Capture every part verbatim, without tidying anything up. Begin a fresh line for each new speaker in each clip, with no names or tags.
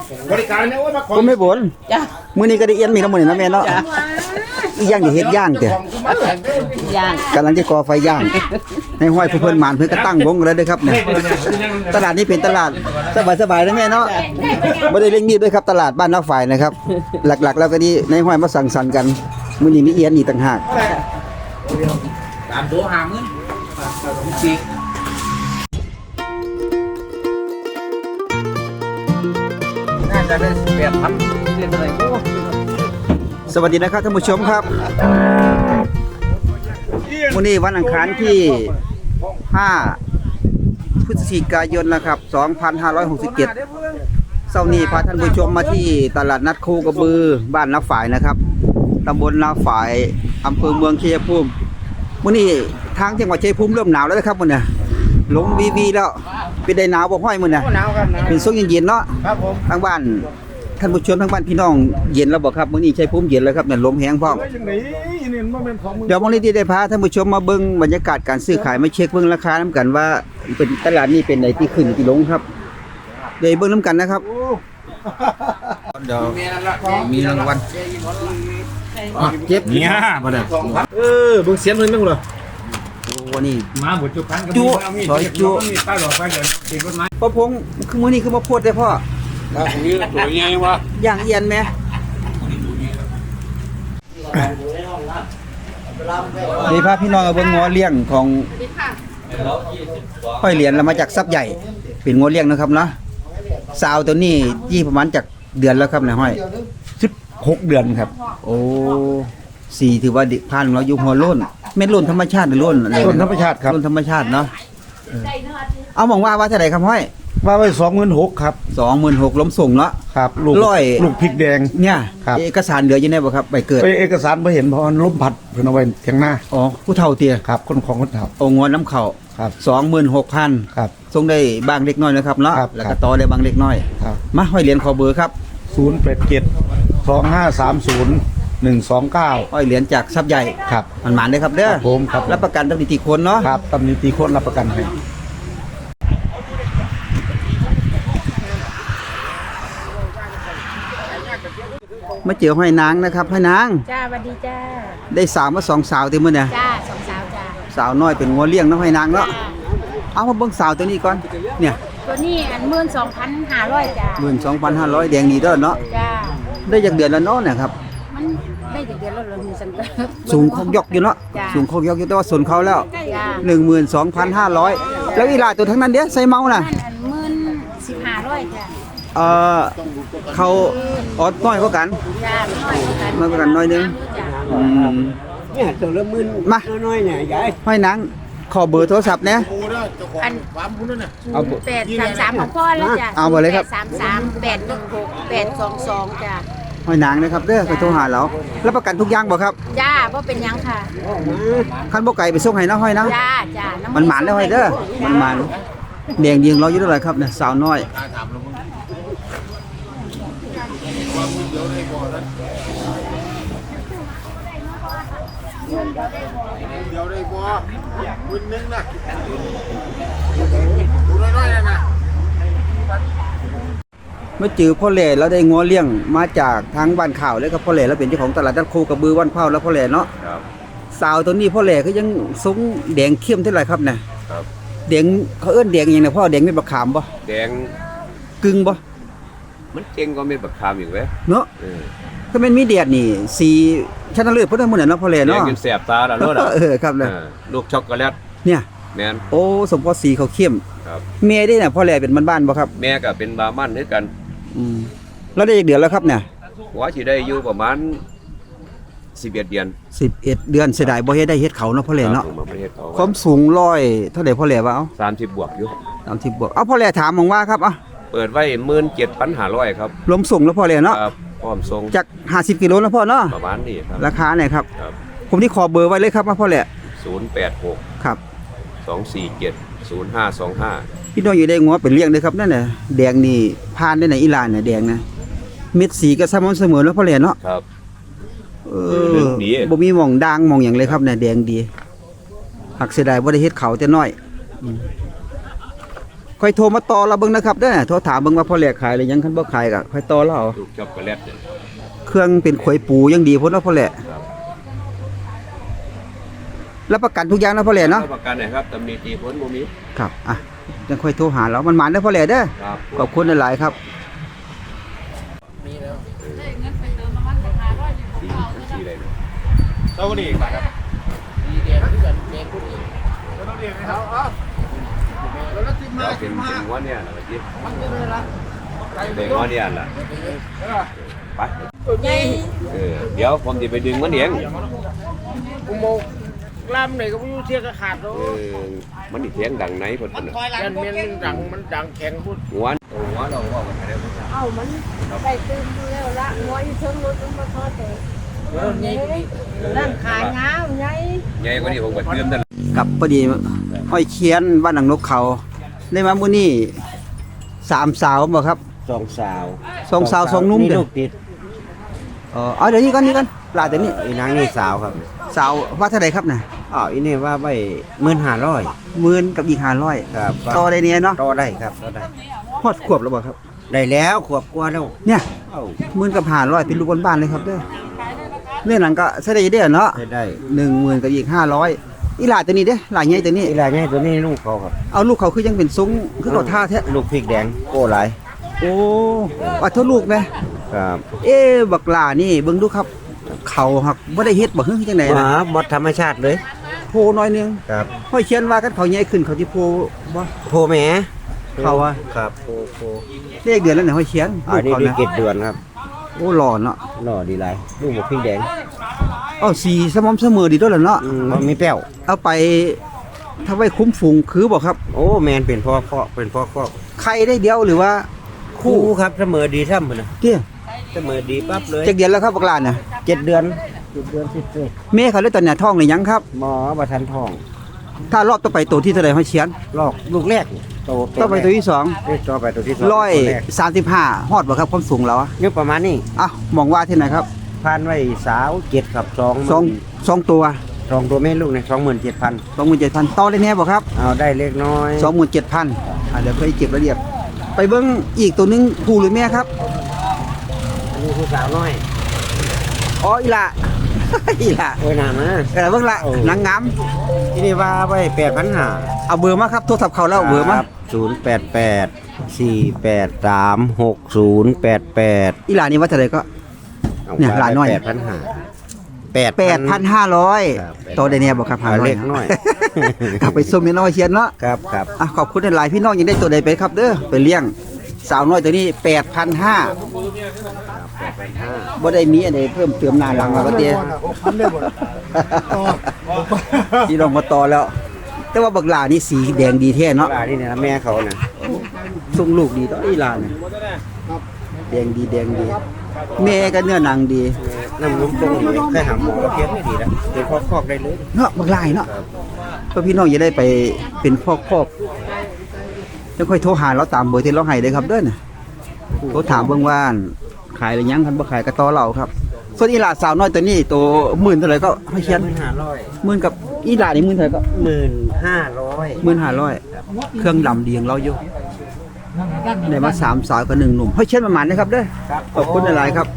บริการเนี่ยว่ามาขอ
ผมไม่บ่น
จ้า
มื้อนี้ก็ได้เอียนมีน้ำมันนะแม่เนาะอีย่างสิเฮ็ดย่างเด้
ย่าง
กำลังจะก่อไฟย่างในห้อยเพิ่นหมานเพิ่นก็ตั้งวงแล้วเด้อครับเนี่ยตลาดนี้เป็นตลาดสบายๆนะแม่เนาะบ่ได้เร่งรีบด้วยครับตลาดบ้านนาฝ่ายนะครับ หลักๆแล้วก็นี่ในห้อยมาสังสรรค์กันมื้อนี้มีเอียนอีกต่างหาก
ตามตัวหามื้อสี่น่าจะได้แปดพันเรียนอะไรโอ้
สวัสดีนะครับท่านผู้ชมครับวันนี้วันอังคารที่ห้าพฤศจิกายนนะครับสองพันห้าร้อยหกสิบเจ็ดเช้านี้พาท่านผู้ชมมาที่ตลาดนัดโคกระบือบ้านนาฝ่ายนะครับตำบลนาฝ่ายอำเภอเมืองชัยภูมิวันนี้ทางจังหวัดชัยภูมิเริ่มหนาวแล้วนะครับวันนี้ลงวีวีแล้วเป็นได้หนาวบ่ห้อยมื้อนี้
หนาวครับหนาว
เป็นช่วงเย็นๆเนาะ
ครับผม
ทางบ้านท่านผู้ชมทางบ้านพี่น้องเย็นแล้วบ่ครับมื้อนี้ชัยภูมิเย็นแล้วครับเนี่ยลมแห้งพร้อม
เฮ้ยยังไงนี่มันเป็นของมึง
เดี๋ยววันนี้ที่ได้พาท่านผู้ชมมาเบิ่งบรรยากาศการซื้อขายมาเช็คเบิ่งราคานํกันว่าเป็นตลาดนี้เป็นไหนที่ขึ้นที่ลงครับเดี๋ยวเบิ่งนํกันนะครับเดี๋ยวมีรางวัลอ่ะเจ็บ
เนี่ยมาเนี่ยเออเบิ่งเสียงเพิ่นนึงเหรอ
โอ้นี่
มาหมดจุกัน
จุซอยจุ
มีป้ายหลอกไปเดี๋ยวติดรถไม้
พ่อพงคือมื้อนี้คือมาโพดได้พ่อ
ครับนี่ตัวใหญ่วะ
ย่างเอียนแม่นี่พาพี่น้องเอาเบิ่งงัวเลี้ยงของห้อยเหรียญแล้วมาจากซับใหญ่เป็นงัวเลี้ยงนะครับเนาะสาวตัวนี้ยี่ประมาณจากเดือนแล้วครับนายห้อยสิบหกเดือนครับ โอ้สี่ถือว่าผ่านเราอยู่หัวโล้นเม็ดโล้นธรรมชาติหรือโล้นอะไร
ต้นธรรมชาติครับ
โล้นธรรมชาติเนาะเออเอามองว่าว่าเท่าไหร่ครับห้อย
ว่าไว้สองหมื่นหกครับ
สองหมื่นหกล้มส่งเนาะ
ครับลูก
ร้อย
ลูกพริกแดง
เนี่ย
ครับ
เอกสารเหลืออยู่ในบ่ครับใบเกิด
ไปเอกสารไปเห็นเพราะมันล้มพัดเพิ่นเอาไว้เทียงหน้า
อ๋อผู้เฒ่าเตี้ย
ครับคนของคนเฒ่า
โอ้งวนน้ำเข่า
ครับ
สองหมื่นหกพัน
ครับ
ส่งได้บางเล็กน้อยนะครับเนาะ
ครับ
แล้วก็ต่อได้บางเล็กน้อย
ครับ
มาห้อยเหรียญขอเบอร์ครับ
ศูนย์แปดเจ็ดสองห้าสามศูนย์หนึ่งสองเก้า
ห้อยเหรียญจากซับใหญ่
ครับ
มันหมานได้ครับเด้อ
ครับผมครับผม
รับประกันตั้งนิติคนเนาะ
ครับตำหนิตีโคนรับประกันให้
มาเจอห้อยนางนะครับห้อยนาง
จ้าสวัสดีจ้า
ได้สาวมาสองสาวเต็มมื้อเนี่ย
จ้าสองสาวจ้า
สาวน้อยเป็นงัวเลี้ยงเนาะห้อยนางเนาะเอามาเบิ่งสาวตัวนี้ก่อนเนี่ย
ตัวนี้อันหมื่นสองพันห้าร้อยจ้า
หนึ่งหมื่นสองพันห้าร้อยแดงนี่เด้อเนาะ
จ้า
ได้จากเดือนละเนาะเนี่ยครับ
มันได้จากเดือนละเดือนมีสันเตอร์
สูงคงยกอยู่เนาะ
จ้ะ
สูงคงยกอยู่แต่ว่าส่วนเขาแล้ว
จ้า
หนึ่งหมื่นสองพันห้าร้อยแล้วอีหลาตัวทั้งนั้นเด้ใส่เมาน่ะ
นั่นอันหมื่นสิบห้าร้อยจ้า
เอ่อเขาออดน้อยกว่ากัน
จ้าน้อยกว่ากัน
น้อยกว่ากันน้อยนึง
จ้า
อืม
เนี่ยตัวละหมื่น
มา
น้อยๆเนี่ยยาย
ห้อยนางขอเบอร์โทรศัพท์เนี่ย
อัน
เอา
แปดสามสามของพ่อแล้วจ้า
เอาไปเลยครับ
แปดสามสามแปดหนึ่งหกแปดสองสองจ้า
ห้อยนางนะครับเด้อไปโทรหาเรารับประกันทุกอย่างบ่ครับ
จ้าเพราะเป็นหยังค่ะ
คันบ่ไก่ไปส่งให้เนาะห้อยนะ
จ้าจ้า
มั
มัน
หมานแล้วห้อยเด้อมันหมานแดงยิงเราอยู่เท่าไหร่ครับเนี่ยสาวน้อยเมื่อจือพ่อแหล่แล้วได้งัวเลี้ยงมาจากทางบ้านข่าวเลยครับพ่อแหล่แล้วเป็นเจ้าของตลาดนัดโคกระบือวันเผาแล้วพ่อแหล่เนาะสาวตัวนี้พ่อแหล่ก็ยังทรงแดงเข้มเท่าไหร่ครับเนี่ย
ครับ
แดงเขาเอิ้นแดงอหยังนะพ่อแดงเม็ดบักขามบ่
แดง
กึ่งบ่
มันเก่งก็เม็ดบักขามอีกเว้ย
เนาะ
เออ
ถ้าแม่นมีแดดนี่สีชนะเลิศเพิ่นทั้งหมดน่ะเนาะพ่อแหล่
แดง
เนาะ
จนแสบตาแล้วรถอ่ะ
เออครับเลย
เออลูกช็อกโกแลต
เนี่ย
แม่น
โอ้สมพอสีเขาเข้ม
ครับ
แม่ได้น่ะพ่อแหล่เป็นบ้านๆบ่ครับ
แม่ก็เป็นบาร์มันด้วยกัน
อืมแล้วได้อีกเดือนแล้วครับเนี่ย
หัวสิได้อยู่ประมาณสิบเอ็ดเดือน
สิบเอ็ดเดือนเสียดายบ่เฮ็ดได้เฮ็ดเขาเนาะพ่อแหล่เนาะ
ครับผมประเทศเขา
ความสูงร้อยเท่าใดพ่อแหล่ว่าเอา
สามสิบบวกอยู่
สามสิบบวกเอาพ่อแหล่ถามมองว่าครับเอา
เปิดไว้หมื่นเจ็ดพันห้าร้อยครับ
รวมส่งแล้วพ่อแหล่เนาะ
ครับพร้อมส่ง
จากห้าสิบกิโลแล้วพ่อเนาะ
ประมาณนี้ครับ
ราคาเนี่ยครับ
ครับ
ผมที่ขอเบอร์ไว้เลยครับว่าพ่อแหล่
ศูนย์แปดหก
ครับ
สองสี่เจ็ดศูนย์ห้าสองห้า
พี่น้องอยู่ได้งัวเป็นเลี้ยงเด้อครับนั่นน่ะแดงนี่ผ่านได้ไหนอีหลานน่ะแดงนะเม็ดสีก็สม่ำเสมอแล้วพ่อแหล่เนาะ
ครับ
เอ
เรื่
อ
องดี
บ่มีหม่องด่างหม่องหยังเลยครับเนี่ยแดงดีหักเสียดายบ่ได้เฮ็ดเขาแต่น้อยอืมค่อยโทรมาต่อเราเบิ่งนะครับเด้อโทรถามเบิ่งว่าพ่อแหลกขายหรือยังคันบ่ขายก็ค่อยต่อเราเอา
ลูกช็อกโกแลตเนี่ย
เครื่องเป็นขวยปูยังดีพุ่นเนาะพ่อแหลกรับประกันทุกอย่างนะพ่อแหลกเนาะ
รับประกันหน่อยครับตำหนิตีผลบ่มี
ครับอ่ะจังค่อยโทรหาเรามันหมานเด้อพ่อแหลกเด้อ
ครับ
ขอบคุณหลายๆครับ
สีสีอะไรนะ
เจ้านี่ครับ
เราเป็นเป็นหัวเนี่ยนะเมื่อกี้เป็นหัวเนี่ยล่ะไปเออเดี๋ยวผมจะไปดึงมันเอง
อุโมงค์ลำไหนก็ไม่รู้เทียกขาดแล้ว
เออมันนี่เถียงดังไหนเพิ่นน่ะ
ยันเมียนมันดังมันดังแข็งพูด
หัวโอ้หัวเราว่ากันได้บ่
เอามันไปตื่นดูแล้วละงอยเชิงรถมันมาทอดแต่ร่างขาเงาไง
ใหญ่กว่านี้ผมก็เติมนั่น
กับพอดีห้อยเคียนบ้านหนังนกเขาได้มามื้อนี้สามสาวบ่ครับ
สองสาว
สองสาวสองหนุ่ม
นี่
เด้
ลู
อก
ติด
เออเอาเดี๋ยวนี้ก่อนนี้ก่อนปลาเดี๋ยวนี้
อีนางนี่สาวครับ
สาวว่าเท่าไหร่ครับน่ะ
อ๋ออีนี่ว่าไปหมื่นห้าร้อย
หมื่นกับอีกห้าร้อย
ครับ
ต่อได้เนี่ยเนาะ
ต่อได้ครับต่อได้
ฮอดขวบแล้วบ่ครับ
ได้แล้วขวบกว่าแล้ว
เนี่ย
เอ้า
หมื่นกับห้าร้อยเป็นลูกบ้านๆเลยครับเด้อเรื่องหลังก็ใช้ได้เด้อเนาะ
ได้ได้
หนึ่งหมื่นกับอีกห้าร้อยอีหลาตัวนี้เด้อหลาใหญ่ตัวนี้
อีหลานนี่ตัวนี้ลูกเขาครับ
เอาลูกเขาคือยังเป็นทรงคือเขาท่าแท้
ลูกพริกแดงโอ้หลาย
โอ้ว่าเท่าลูกแม่
ครับ
เอ๊ะบักหลานี่เบิ่งดูครับ เขาหักบ่ได้เฮ็ดบ่ฮึจังได๋
ห
นะ
มาหมดธรรมชาติเลย
โพน้อยหนึง
ครับ
ห้อยเขียนว่ากันเขาใหญ่ขึ้นเขาสิโพบ่
โพแหม
เขาอะ
ครับโพโพ
เลขเดือนแล้วเนี่ยห้อยเขียน
อันนี้
ลูก
ดี
เขา
เก
นะ
ตเดือนครับ
โอ้หล่อเนาะ
หล่อดีหลายลูกหมกพริกแดง
เอ้าสีสม่ำเสมอดีด้วยล่ะเนาะ
อืมบ่มีแป้ว
เอาไปถ้าไว้คุ้มฝูงคือบ่ครับ
โอ้แมนเป็นพ่อพ่อเป็นพ่อพ่อ
ใครได้เดียวหรือว่า
คู่ครับเสมอดีซ้ำพุ่นนะ
เตี้ย
เสมอดีปั๊บเลย
จักเดือนแล้วครับบักหลาเนี่ย
เจ็ดเดือนเจ็ดเดือนสิบเดือน
แม่เขาเลยตอนเนี้ยท้องหรือยังครับ
หมอประทันทอง
ถ้ารอบต่อไปตัวที่เท่าไหร่ห้อยเขียน
ลอกลูกแรกโต
ต่อไปตัวที่สอง
ต่อไปตัวที่สอง
ร้อย
ตัวแรก
สามสิบห้าฮอดบ่ครับความสูงเราอะ
นี่ประมาณนี้
อ่ะมองว่าที่ไหนครับ
พันไว้สาวเจ็ดกับสอง
สองสองตัว
สองตัวแม่ลูกเนี่ยสองหมื่นเจ็ดพัน
สองหมื่นเจ็ดพันต่อได้แน่บ่ครับ
เอาได้เล็กน้อย
สองหมื่นเจ็ดพันอ่ะเดี๋ยวเคยเก็บรายละเอียดไปเบิ้งอีกตัวหนึงผู้หรือแม่ครับ
อันนี้ผู้สาวน้อย
อ๋ออีหละ อีหละ
โอ้ยหนามา
เออเบิ้งละ
โอ้
นางงาม
ที่นี่ว่าไว้แปดพันห้า
เอาเบอร์มาครับโทรศัพท์เขาแล้วเบอร์มา
ศูนย์แปดแปดสี่แปดสามหกศูนย์แปดแปด
อีหละนี่ว่าเท่าไหร่ก็ เนี่ยหลานน้อย
แปดพันห้าแปด
แปดพันห้าร้อย
ครับ
ต่อได้แน่บ่ครับ
เอาเล็กน้อย
กลับไปส้มน้อยเชียนเนาะ
ครับครับ
อ่ะขอบคุณหลายๆพี่น้องยังได้ตัวใดไปครับเด้อไปเลี้ยงสาวน้อยตัวนี้แปดพันห้า
แปดพันห้า
บ่ได้มีอันใดเพิ่มเติมหน้าหลังแล้วก็เตี้ย ที่ลงมาต่อแล้ว แต่ว่าบักหลานี่สีแดงดีแท้เนาะ
ปลาที่เนี่ยแม่เขาน่ะ
ส่งลูกดีต่ออีหลาเนี่ยแดงดีแดงดี แม่ก็เนื้อหนังดี
น้ำนุ่มตรงนี้แค่หาหมอก็เพียงไม่ดีแล้วเป็นคอกๆได้เลย
เนาะบักหลายเนาะเพื่อพี่น้องจะได้ไปเป็นพ่อครอบแล้วค่อยโทรหาเราตามเบอร์ที่เราให้เลยครับเด้อน่ะโทรถามเบิ่งว่าขายหรือยังคันบ่ขายก็ต่อเราครับ ส่วนอีหลาสาวน้อยตัวนี้ตัวหมื่นเท่าไหร่ก็ให้เขียน
หมื่นห้าร้อย
หมื่นกับอีหลานี่หมื่นเท่าไหร่ก็
หมื่นห้าร้อย
หมื่นห้าร้อยเครื่องดำดีของเราอยู่ได้มาสามสาวกับหนึ่งหนุ่มให้เช่นประมาณนะครับเด้อขอบคุณหลายๆครับ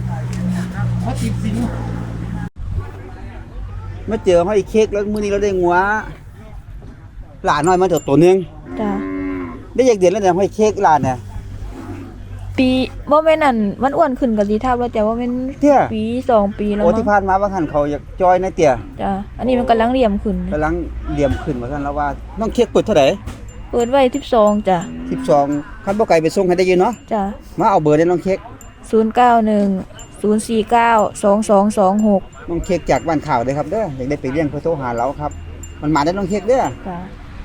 มาเจอให้เค้กแล้วมื้อนี้เราได้งัวหลานน้อยมาเถอะตัวหนึง
จ้ะ
ได้อยากเดือนแล้วเนี่ยให้เค้กหลานเนี่ย
ปีบ่แม่นอั่นมันอ้วนขึ้นก็สิทับแล้วแต่ว่าแม่น
เตี้ย
ปีสองปีแล้ว
โอ้
มั้
ที่
ง
ผ่านมาว่าหันเขาอยากจอยนะเตี้ย
จ้ะอันนี้มันกำลังเหลี่ยมขึ้น
กำลังเหลี่ยมขึ้นว่าซั่นแล้วว่าน้องเค้กเปิดเท่าไหร่
เปิดไว้สิบสองจ้ะ
สิบสองคันบ่ไกลไปส่งให้ได้อยู่เนาะ
จ้ะ
มาเอาเบอร์ได้น้องเค้ก
ศูนย์เก้าหนึ่ง ศูนย์สี่เก้า สองสองสองหก
น้องเค้กจากบ้านข่าวเด้อครับเด้ออยากได้ไปเลี้ยงเพื่อโทรหาเราครับ มันมาได้น้องเค้กเด้อ
จ้ะ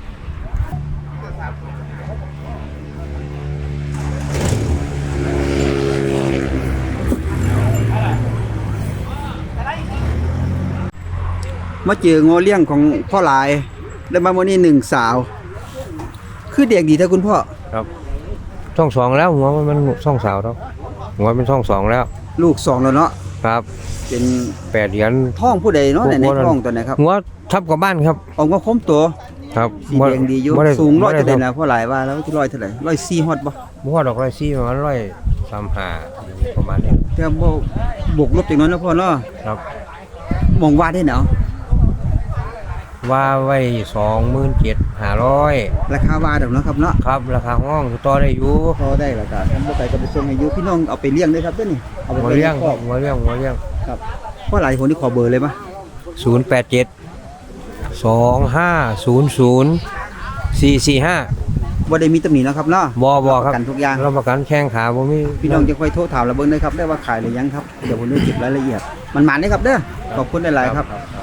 มาเจอโงเลี้ยงของพ่อหลายได้มาวันนี้หนึ่งสาว คือเด็กดีแท้คุณพ่อ
ครับช่องสองแล้วหัวมันมันช่องสาวแล้วหัวเป็นช่องสองแล้ว
ลูกสองแล้วเนาะ
ครับ
เป็น
แปดเหรียญ
ท้องผู้ใดเนาะในใน
พวกนั้น
ท้องตัวไหนครับ
หัวทับกับบ้านครับ
ออกมาคมตัว
ครับ
สีแดงดีอยู่
บ่ได้
สูงร้อย
บ่ได้
เท่าไหร่นะเพราะหลายว่าแล้วที่ร้อยเท่าไหร่ร้อยสี่ฮอดบ่
บ่ว่าดอกร้อยซี่ประมาณร้อยสามห้าประมาณนี้
แต่บ่บวกลบจากนั้นนะพ่อเนาะ
ครับ
มองว่าได้เนาะ
ว่าไว้สองหมื่นเจ็ดห้าร้อย
ราคาว่าดอกเนาะครับเนาะ
ครับราคาห้องต่อได้อยู่
พอได้แล้วก็ทำบ่ไกลก็ไปส่งให้อยู่พี่น้องเอาไปเลี้ยงได้ครับเด้อนี่เอาไป
หัว
ไว้
เลี้ยง
ในครอบ
หัวเลี้ยงหัวเลี้ยง
ครับเพราะหลายคนที่ขอเบอร์เลยปะ
ศูนย์แปดเจ็ดสองห้าศูนย์ศูนย์สี่สี่ห้า
บ่ได้มีตำหนิเนาะครับเนาะ
บอบอครับ
ประกันทุกอย่าง
รับประกันแข้งขาบ่มี
พี่น้องจะค่อยโทรถามเราเบิ่งได้ครับได้ว่าขายหรือยังครับเดี๋ยวผมจะเก็บรายละเอียดมันหมานได้ครับเด้อขอบคุณหลายๆครับ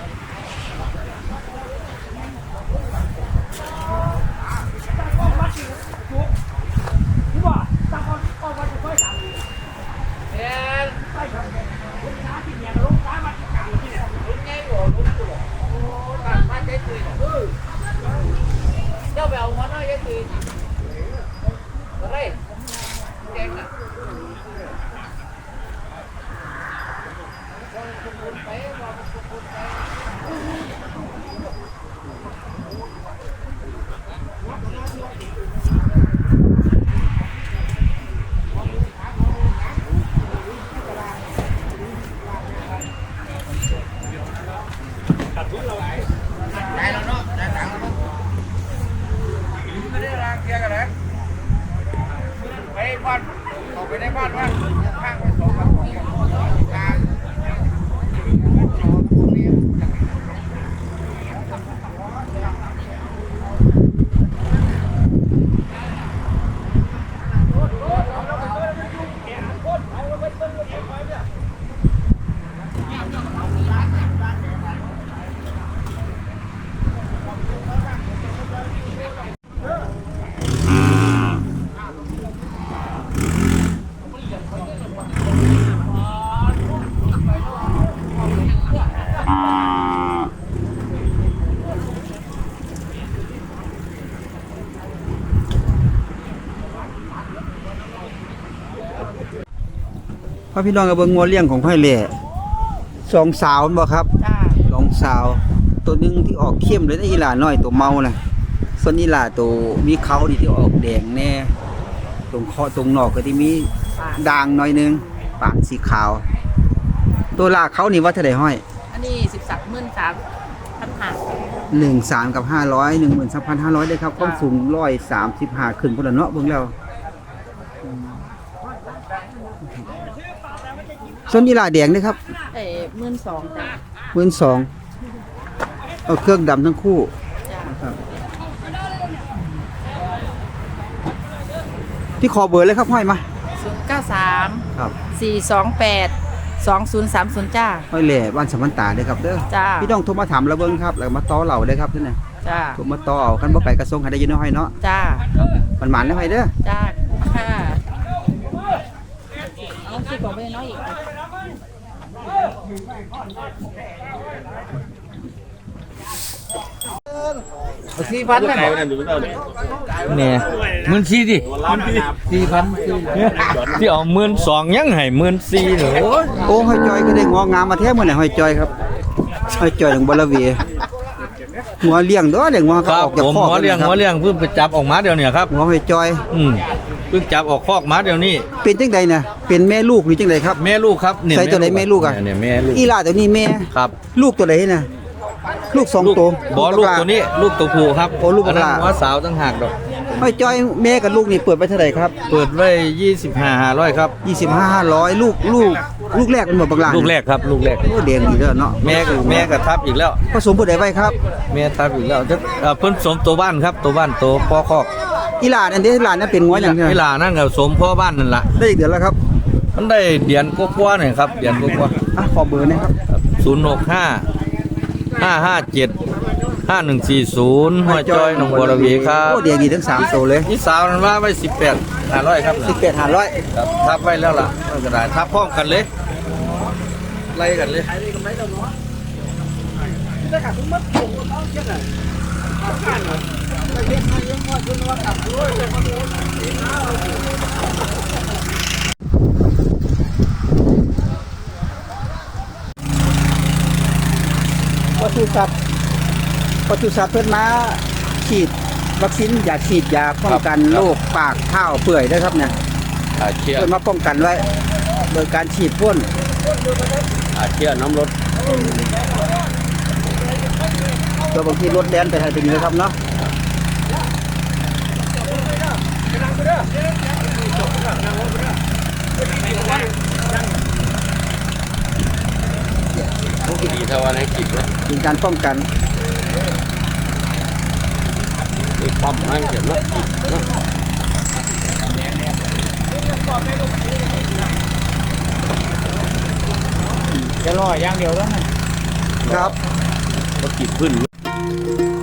พ่อพี่น้องกับเบิ่งงัวเลี้ยงของห้อยเล่สองสาวบ่ครับ
จ้า
สองสาว ตัวหนึงที่ออกเข้มเลยนะอีหลาน้อยตัวเมาน่ะส่วนอีหลาตัวมีเขาดีที่ออกแดงแน่ตรงคอตรงหนอกก็ที่มีด่างหน่อยหนึงปากสีขาว ตัวลากเขานี่ว่าเท่าใดห้อย
อันนี้สิบสามหมื่นสามพันห้า
หนึ่งสามกับห้าร้อยหนึ่งหมื่นสามพันห้าร้อยได้ครับความสูงร้อยสามสิบห้าขึ้นพุ่นละเนาะเบิ่งแล้วส่วนอีหลาแดงนี่ครับ
เอ้หมื่นสองจ้า
หมื่นสองเอาเครื่องดำทั้งคู่
จ้า
นะครับที่ขอเบอร์เลยครับห้อยมา
ศูนย์เก้าสาม
ครับ
สี่สองแปดสองศูนย์สามศูนย์จ้า
ห้อยแหล่บ้านสมันตาเด้อครับเด้อ
จ้า
พี่น้องโทรมาถามเราเบิ่งครับแล้วมาต่อเราได้อครับนี่นะ
จ้า
โทรมาต่อเอาคันบ่ไกลกระทรวงให้ได้อยู่เนาะห้อยเนาะ
จ้า
มันหมานได้ห้อยเด้อ
จ้าค่ะเอาสิบอกไปน้อยอีก
สี่พันเลยเนี่ยหมื่นสี่ดิสี่พันที่เอาหมื่นสองยังให้หมื่นสี่เหรอ
โอ้ห้อยจอยก็ได้งองามมาแท้มื้อนี้ห้อยจอยครับห้อยจอยของบลาเวียหัวเลี้ยงเด้อเลี้ยงหัว
ค
เขา
รับ
ออกจาก
ผม
คอก
หัวเลี้ยง
ครับ
หัวเลี้ยงเพิ่งไปจับออกมาเดี๋ยวนี้ครับ
หัวห้อยจอย
อืมเพิ่งจับออกคอกมาเดี๋ยวนี้
เป็นจังใดน่ะเป็นแม่ลูกหรือจังใดครับ
แม่ลูกครับเนี่ย
ใส่ตัวไหนแม่ลูกอะ
เนี่ยแม่ลูก
อีหลาตัวนี้แม่
ครับ
ลูกตัวไหนน่ะลูกสอง
ลูก
ตัว
บอลูกตัวนี้ลูกตัวผู้ครับ
โอ้ลูก
อันนั้น
บักหลา
หัวสาวตั้งหากดอก
ห้อยจอยแม่กับลูกนี่เปิดไปเท่าไหร่ครับ
เปิดไว้ยี่สิบห้าห้าร้อยครับ
ยี่สิบห้า ห้าร้อยลูกลูกลูกแรกเป็นหมดบางลา
ลูกแรกครับลูกแรก
โอ้เดียงดีเด้อเนาะ
แม่กับแม่กับทับอีกแล้ว
ผสมผู้ใดไว้ครับ
แม่ทับอีกแล้วจะเอ่อเพิ่นสมตัวบ้านครับตัวบ้านตัวพ่อคอก
อีหลานอันนี้อีหลานนั่นเป็นงัวอย่างเดียว
เวลานั่นกับสมพ่อบ้านนั่นล่ะ
ได้อีกเดือนแล้วครับ
มันได้เดือนกว่าๆหน่อยครับเดือนกว่า
อ่ะขอเบอร์นะครับ
ๆศูนย์หกห้าห้าห้าเจ็ดห้าหนึ่งสี่ศูนย์หัวจอยหนองบัวระเวีครับ
โอ้เดียงดีทั้งสามตัวเลย
นี่สาวนั้นว่าไว้สิบแปดห้าร้อยครับ
สิบแปดห้าร้อย
ครับทับไว้แล้วล่ะมันก็ได้ทับพร้อมกันเลยไล่กันเลย
ปศุสัตว์ปศุสัตว์เพิ่นมาฉีดวัคซีนยาฉีดยาป้องกันโรคปากเท้าเปื่อยด้วยครับเนี่ย
อาเชีย
เพื่อมาป้องกันไว้โดยการฉีดพ่น
อาเชียน้ำรถ
ตัวบางทีรถแดนไปทางนี้นะครับเนาะ
ดีเท่าวันให้กินเลย
เป็นการป้องกัน
มีปั๊มให้เจ็บนะนะ
จะรออย่างเดียวแล้วไง
ครับ
ก็กินขึ้น